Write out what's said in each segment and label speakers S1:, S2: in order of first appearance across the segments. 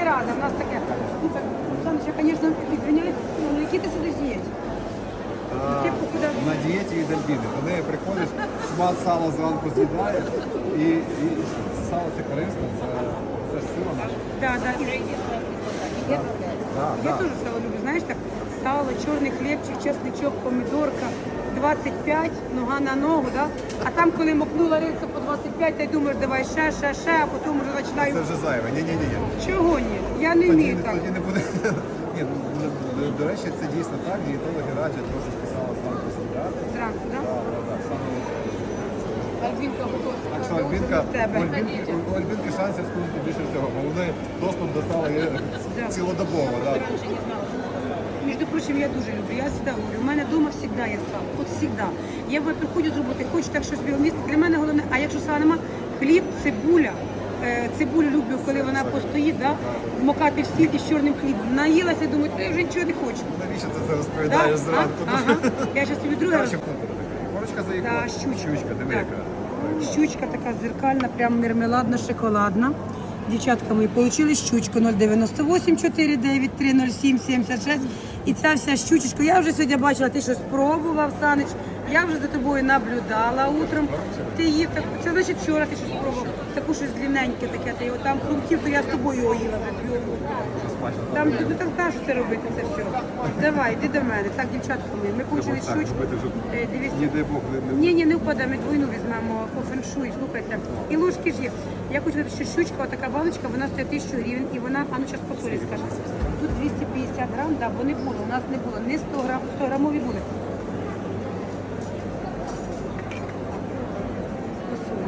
S1: рада, в нас таке. Ну, так, Оксана, я, звісно, відвиняюсь, ну, які ти сидиш дієті? Ти похудав.
S2: На дієті від Альбіни. До неї приходиш, шмат сала зранку з'їдаєш, і сало це корисно, це ж сила наша.
S1: Так, так. Я теж сало люблю, знаєш, так, сало, чорний хлібчик, чесничок, помідорка, 25, нога на ногу, да? А там, коли мокнула рельса по 25, ти думаєш, давай ще, а потім вже
S2: Це
S1: починаю.
S2: вже зайве. Ні.
S1: Чого ні? Я не вмію так.
S2: Тоді не буде. Ні, до речі, це дійсно так. Дієтологи радять трошки сало зранку з'їдати.
S1: Зранку, так?
S2: Так, саме.
S1: Альбінка готова.
S2: Так що Альбінка, у Альбінки шансів скинути більше всього, бо вони доступ до сала є цілодобово. Да.
S1: Між прочим, я дуже люблю. Я завжди говорю, у мене вдома завжди є сало. От завжди. Я приходжу з роботи, хочу так щось біломісти. Для мене головне, а якщо сала нема, хліб, цибуля. Цибулю люблю, коли вона постоїть, да? Вмокати в сіль із чорним хлібом. Наїлася, думаю, я вже нічого не хочу.
S2: Навіщо ти це розповідаєш
S1: Да?
S2: зранку?
S1: Ага. Я зараз тобі друге.
S2: Корочка заїхала.
S1: Да, щучка.
S2: Диви
S1: Так.
S2: яка.
S1: Щучка така зеркальна, прям мармеладна, шоколадна. Дівчатка мої, отримали щучку 098 493 07 76. І ця вся щучечка, я вже сьогодні бачила, ти щось спробував, Санич. Я вже за тобою наблюдала утром. Ти їв так, це значить вчора ти щось спробував. Таку щось длинненьке таке, ти його там хрумків, то я з тобою його їла вже. Там тобі там кажуть це робити, це все. Давай, йди до мене. Так, дівчатка мої, ми получили щучку. Дивись.
S2: Не дай Бог,
S1: Ні, не впаде, ми двойну візьмемо по феншуй, слухайте. І ложки ж є. Я хочу сказати, що щучка, отака баночка, вона стоїть 1000 гривень, і вона, а ну зараз по солі скажу. Тут 250 грам, да, бо не було, у нас не було, не 100 грам, 100 грамові були. По солі.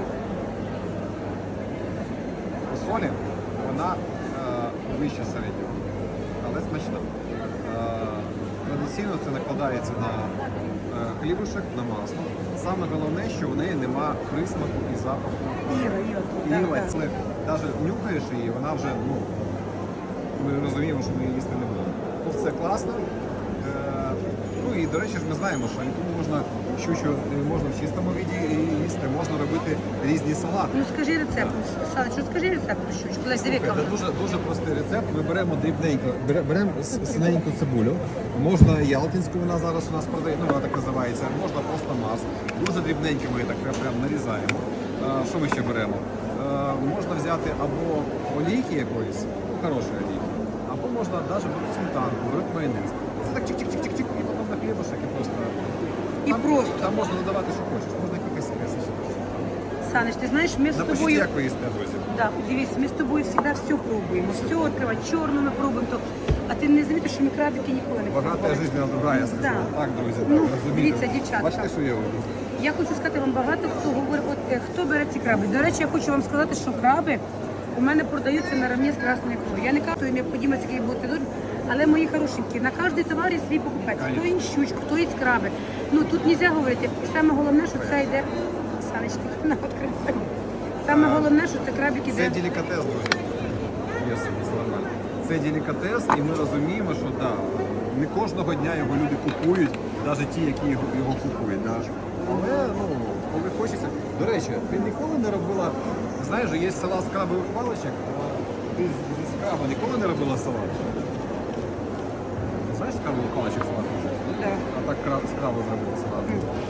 S2: по солі вона вища середнього, але смачна. Традиційно це накладається на хлібушек, на масло. Саме головне, що в неї нема присмаку і запаху. Іла, це навіть нюхаєш її, вона вже, ми розуміємо, що ми її їсти не будемо. Тут все класно. Ну і, до речі, ж ми знаємо, що тому можна щучу можна в чистому віді їсти, можна робити різні салати.
S1: Ну скажи рецепт, Санечко, скажи рецепт про щучку. Лесь, диви,
S2: Це дуже простий рецепт. Ми беремо дрібненько, беремо синеньку цибулю. Можна ялтинську, вона зараз у нас продає, ну вона так називається, можна просто Марс. Дуже дрібненько ми так прям нарізаємо. Що ми ще беремо? Можна взяти або олійки якоїсь, хорошої олійки, або можна навіть сметанку, беруть майонез. Це так чик-чик-чик-чик-чик, і потім на хлібушек і просто.
S1: І просто.
S2: Там можна додавати, що хочеш, можна якісь спеси.
S1: Саныч, ти знаєш, ми з
S2: Напишіть,
S1: тобою...
S2: як ви їсте, друзі.
S1: Да, дивись, ми з тобою завжди все пробуємо. Все відкривати, чорну ми пробуємо. То... А ти не замітиш, що ми крабики ніколи не пробували.
S2: Багата життя другая, я сказала.
S1: Да.
S2: Так, друзі,
S1: Ну,
S2: так, розумієте.
S1: дивіться, дівчатка.
S2: Бачите, що є у вас?
S1: Я хочу сказати вам багато, хто говорить, хто бере ці краби. До речі, я хочу вам сказати, що краби у мене продаються наравні з красною ікрою. Я не кажу, що їм необхідно який бути дуже, але мої хорошенькі, на кожний товар є свій покупець. Хто є щучку, хто є краби. Ну тут не можна говорити. І саме головне, що це йде. Санечки, на відкритому. Саме головне, що це крабик іде.
S2: Це делікатес, друзі. Це нормально. Це делікатес, і ми розуміємо, що да, не кожного дня його люди купують, навіть ті, які його купують. Да. Але коли хочеться. До речі, ти ніколи не робила, знаєш, є салат з крабових паличок, ти з краба ніколи не робила салат? Знаєш, з крабових паличок салат?
S1: Да.
S2: А так з краба зробити салат.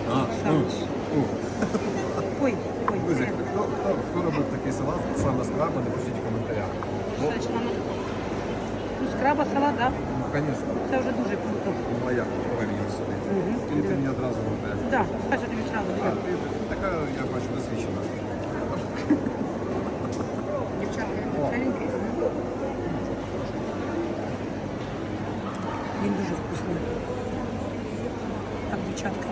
S1: Ой,
S2: Друзі,
S1: це.
S2: хто робив такий салат саме з краба, напишіть в коментарях.
S1: Санечка, ну, з краба салат, да?
S2: Ну, звісно.
S1: Це вже дуже круто.
S2: Ну, а як повинен собі? Или ти мені одразу говориш?
S1: Так, скажу тобі зразу.
S2: А, ти така, я бачу, досвідчена.
S1: Дівчатка, ціленький. Він дуже вкусний. Так, дівчатка.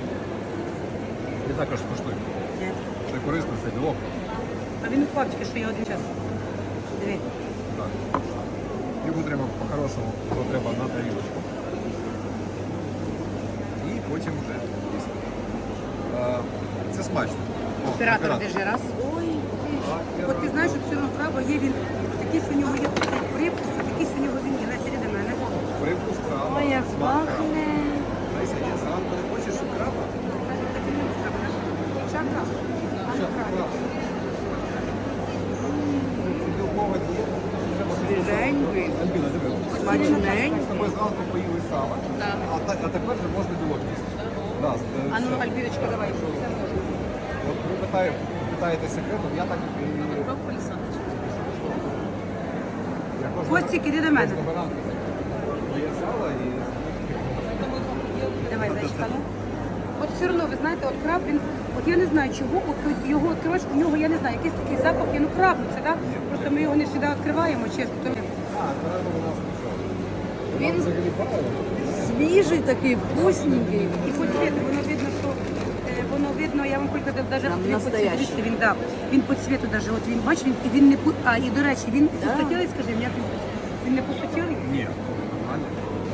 S2: І також смачний.
S1: Ні.
S2: Це корисно, це білок.
S1: А він упав тільки, що я один час. Диви.
S2: Так. Його треба по-хорошому, його треба на тарілочку. І потім вже їсти. Це смачно. О,
S1: Оператор, держи раз. Ой, от ти знаєш, що цього краба є він, такий у нього є привкус, а такий у нього він є. Леся, іди до мене.
S2: Привкус краба.
S1: Ой, як
S2: смак краба.
S1: пахне.
S2: Леся, я зранку не хочеш краба?
S1: Чака.
S2: Це білкова дієта. Треба
S3: Свіженький.
S2: Альбіна, диви.
S3: Смачненький.
S2: Ми з тобою зранку поїли сало, а тепер вже можна білок їсти. Да,
S1: А ну,
S2: все.
S1: Альбіночка, давай, що це можна.
S2: От ви питаєте секретом, я так і... Я кожного-
S1: Костік, іди до мене.
S2: кожного ранку є сало і...
S1: Давай, зайчка, ну. От все одно, ви знаєте, от краб, він, от я не знаю чого, от його відкриваєш, у нього, я не знаю, якийсь такий запах, ну краб, це, так? Просто ми його не завжди відкриваємо, чесно. То...
S3: Він свіжий такий, вкусненький.
S1: І по цвіту, воно видно, що, воно видно, я вам хочу сказати, навіть
S3: Прям
S1: по цвіту,
S3: настоящий.
S1: дивіться, він, да, він по цвіту навіть, от він, бачиш, він, і він не, і до речі, він пустотілий, скажи, як він не пустотілий?
S2: Ні, нормально.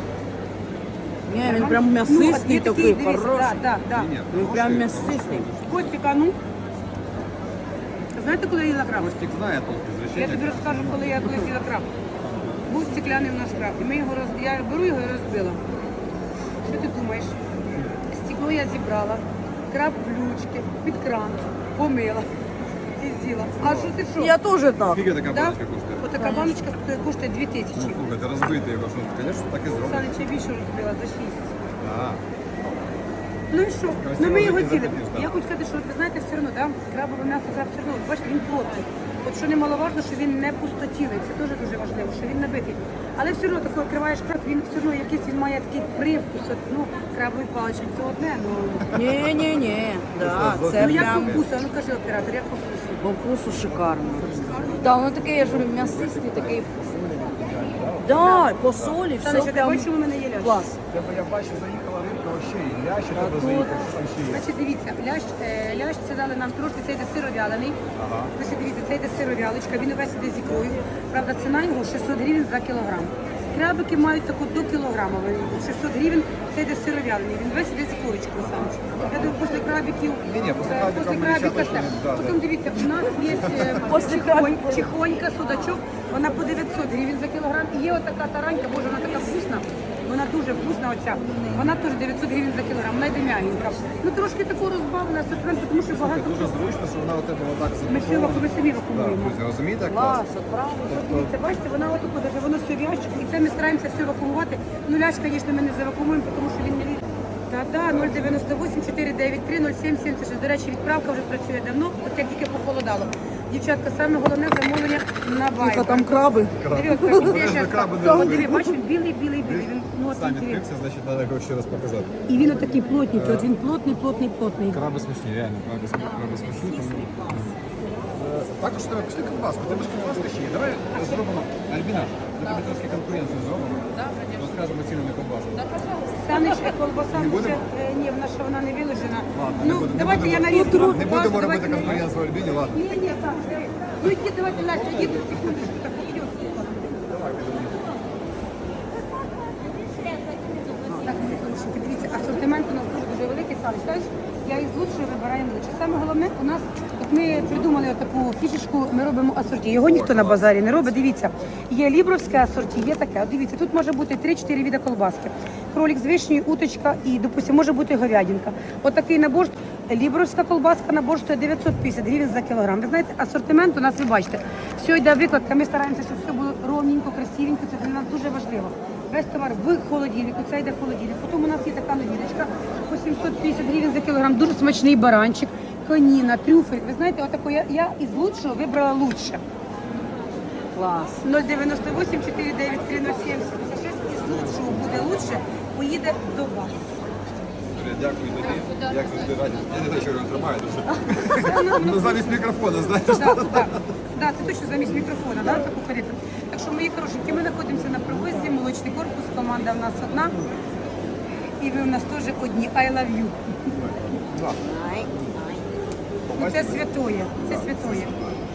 S3: Ні, він прям
S1: Ну,
S3: м'ясистий
S1: от
S3: такий,
S1: дивись,
S3: хороший.
S1: да, да.
S2: Ні,
S3: Він
S2: хороший.
S3: прям м'ясистий.
S1: Костіка, ну, знаєте, коли я їла краб?
S2: Костік знає толк
S1: Я
S2: звичайно.
S1: тобі розкажу, коли я колись їла краб. Був стекляний у нас краб. І ми його я беру його і розбила. Що ти думаєш? Стекло я зібрала, краб в блючки, під кран, помила і з'їла. А що ти що?
S3: Я теж так.
S2: Скільки така
S1: Да?
S2: баночка коштує?
S1: Отака баночка коштує 2000.
S2: Ну, слухайте, розбити його, що, звісно, так і зробимо.
S1: Санич, я більше розбила за 6.
S2: А,
S1: Ну і що?
S2: Красиво
S1: Ну ми його
S2: закидати
S1: з'їли.
S2: ніж, да.
S1: Я хочу сказати, що ви знаєте, все одно, да? Крабове м'ясо краб все одно, от бачите, він плотний. От що немаловажно, що він не пустотілий, це теж дуже важливо, що він набитий. Але все одно таке відкриваєш краб, він все одно якийсь, він має такий привкус, от, ну, крабові палички, це одне, ну.
S3: Ні, да, це
S1: Ну як по
S3: прям
S1: вкусу, а ну кажи оператор, як по вкусу?
S3: по вкусу шикарно. Да, воно таке, я ж говорю, м'ясистий, такий. Да, по солі, все
S1: Санич, а ти
S3: прям
S1: бачиш, у мене є лящ?
S3: клас.
S2: я бачу, заїхала рибка, вообще, і лящі тебе
S3: тут-
S2: заїхав, що там ще є.
S1: Значить, дивіться, лящ це дали нам трошки, це йде сировялений.
S2: Ага.
S1: Значить, дивіться, це йде сировялочка, він увесь іде з ікрою. Правда, ціна його 600 гривень за кілограм. Крабики мають таку до кілограма, 600 гривень, це йде сировялений, він весь іде з ікорочкою сам. Я думаю, після крабиків,
S2: Ні, після крабика
S1: після
S2: ми
S1: крабика
S2: ще
S1: все.
S2: точно, да,
S1: Потім дивіться, у нас є
S3: Після крабика.
S1: чихонька, судачок, вона по 900 гривень за кілограм. І є отака таранька, боже, вона така вкусна. Вона дуже вкусна оця. Вона теж 900 гривень за кілограм, вона йде м'ягенька. Ну трошки таку розбавлена асортимент, тому що багато.
S2: Дуже зручно, що вона у тебе отак
S1: Ми все
S2: запакована.
S1: ми самі
S2: Да,
S1: вакуумуємо.
S2: друзі, розумієте, як класно?
S3: Клас, от правда.
S1: Дивіться, бачите, вона отаку, даже воно все в ящику, і це ми стараємося все вакуумувати. Ну ляш, звісно, ми не завакуумуємо, тому що він не від. Та-да, 098 493 0776. До речі, відправка вже працює давно, от як тільки похолодало. Дівчатка, саме головне замовлення на
S3: Тихо,
S1: вайбер.
S3: там краби.
S1: Диви, от кажу, я щас
S2: краби
S1: так.
S2: не
S1: От
S2: робить.
S1: диви, бачиш, він білий, він
S2: Сам
S1: плотний.
S2: відкрився, значить, треба його ще раз показати.
S1: І він отакий плотненький, от він плотний.
S2: Краби смачні, реально, краби смачні. Тому... Також треба пішли ковбаску. Тебе ж ковбаска ще є. Давай зробимо, Альбіна, ми тобі трошки конкуренцію зробимо. Розкажемо ціну на ковбаску.
S1: Санич, колбаса
S2: Не
S1: вже,
S2: будемо?
S1: ні, в нас ще вона не виложена.
S2: Ладно,
S1: Ну,
S2: не будемо-
S1: давайте
S2: не
S1: я
S2: будемо-
S1: нарізку.
S2: Не будемо робити конкуренцію Альбіні, ладно.
S1: Ні, Саныч, давай. Ну иди, давайте, Настя, иди, секундочку, так, идем. Так, секундочку, дивіться, асортимент у нас дуже великий, Саныч, знаєш, я із лучшого вибираю лучше. Саме головне, у нас, от ми придумали таку фішечку, ми робимо асорті. Його ніхто на базарі не робить, дивіться. Є лібровське асорті, є таке. От дивіться, тут може бути 3-4 види колбаски. Кролик з вишнею, уточка і, допустимо, може бути говядинка. Отакий набор, лібровська колбаска набор стоїть 950 гривень за кілограм. Ви знаєте, асортимент у нас, ви бачите, все йде викладка, ми стараємося, щоб все було ровненько, красивенько, це для нас дуже важливо. Весь товар в холодильнику, це йде в холодильник. Потім у нас є така новіночка по 750 гривень за кілограм, дуже смачний баранчик, коніна, трюфель. Ви знаєте, отаку я із лучшого вибрала лучше.
S3: Клас.
S1: 098 493 0776 із лучшого буде лучше, поїде до вас.
S2: Дякую тобі. Як завжди раді. Я не знаю, що він тримає дуже. Ну замість мікрофона, знаєш.
S1: Да, це точно замість мікрофона, да, таку коректно. Так що, мої хорошенькі, ми знаходимося на привозі, молочний корпус, команда в нас одна. І ви в нас теж одні. I love you.
S3: Ай, ай.
S1: Ну, це святоє, це святоє.